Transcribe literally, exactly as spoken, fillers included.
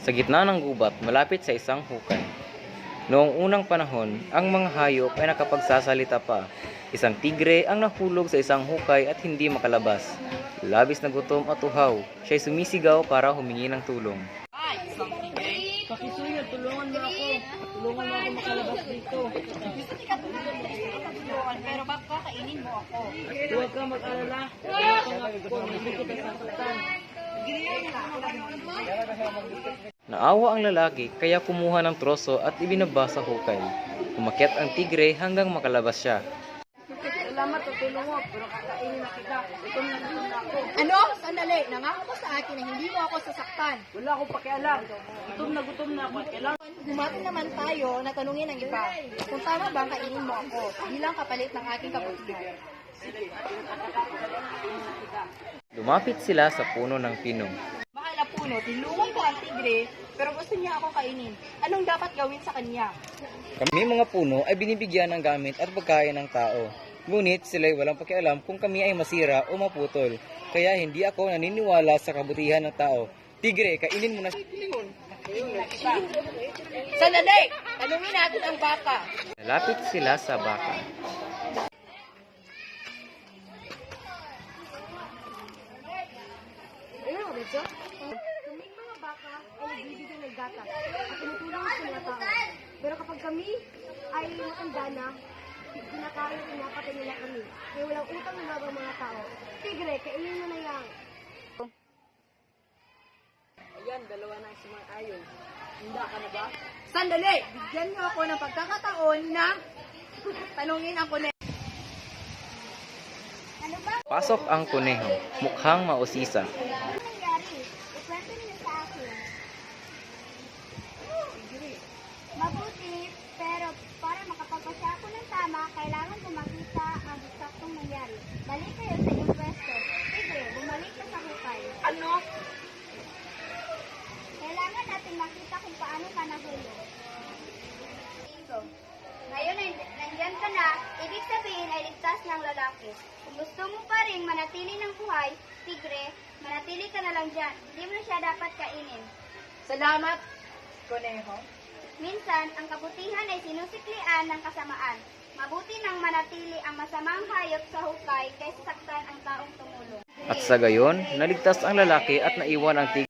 Sa gitna ng gubat, malapit sa isang hukay. Noong unang panahon, ang mga hayop ay nakapagsasalita pa. Isang tigre ang nahulog sa isang hukay at hindi makalabas. Labis na gutom at uhaw, siya'y sumisigaw para humingi ng tulong. Ay, isang tigre. Pakisuyo, tulungan mo ako. Tulungan mo ako makalabas dito. Gusto ka tulungan, pero baka kakainin mo ako. Huwag ka mag-alala. Wala kang ako. Hindi kita sasaktan. Naawa ang lalaki kaya kumuha ng troso at ibinaba sa hukay. Umakyat ang tigre hanggang makalabas siya. Salamat, tutulong mo, pero kakainin na kita. Ito na naman ako. Ano? Sandali. Nangako mo sa akin na hindi mo ako sasaktan. Wala akong pakialam. Gutom na gutom na ako. Kailangan. Gumati naman tayo na tanungin ang iba. Kung tama ba kainin mo ako bilang kapalit ng aking kabutihan. Lumapit sila sa puno ng pinong. Mahal na puno, tinulungan ko ang tigre, pero gusto niya ako kainin. Anong dapat gawin sa kanya? Kami mga puno ay binibigyan ng gamit at pagkain ng tao. Ngunit sila'y walang pakialam kung kami ay masira o maputol. Kaya hindi ako naniniwala sa kabutihan ng tao. Tigre, kainin mo na. Sandali! Tanungin natin ang baka. Nalapit sila sa baka. Ayun, Rizzo. Kaming mga baka ay nagbibigay ng gatas at tumutulong sa mga tao. Pero kapag kami ay matanda na, kinakain at pinapatay nila kami. Kaya walang utang na ang mga tao. Tigre, kainin mo na yan. Ayan, dalawa na ang sumang-ayon. Handa ka na ba? Sandali! Bigyan niyo ako ng pagkakataon na tanungin ang kuneho. Ano ba Pasok ang kuneho, mukhang mausisa. ang nangyari? Ikwento niyo sa akin. Mabuti, pero para makapagpasya ako ng tama, kailangan ko makita ang eksaktong nangyari. Balik kayo sa iyong pwesto. Tigre, bumalik ka sa hukay. Ano? Kailangan natin makita kung paano ka nahulog. Ngayon ay nandyan ka na, ibig sabihin ay ligtas ng lalaki. Kung gusto mo pa rin manatili ng buhay, tigre, manatili ka na lang dyan. Hindi mo na siya dapat kainin. Salamat, Koneho. Minsan, ang kabutihan ay sinusiklian ng kasamaan. Mabuti nang manatili ang masamang hayop sa hukay kaysa saktan ang taong tumulong. At sa gayon, naligtas ang lalaki at naiwan ang tigre.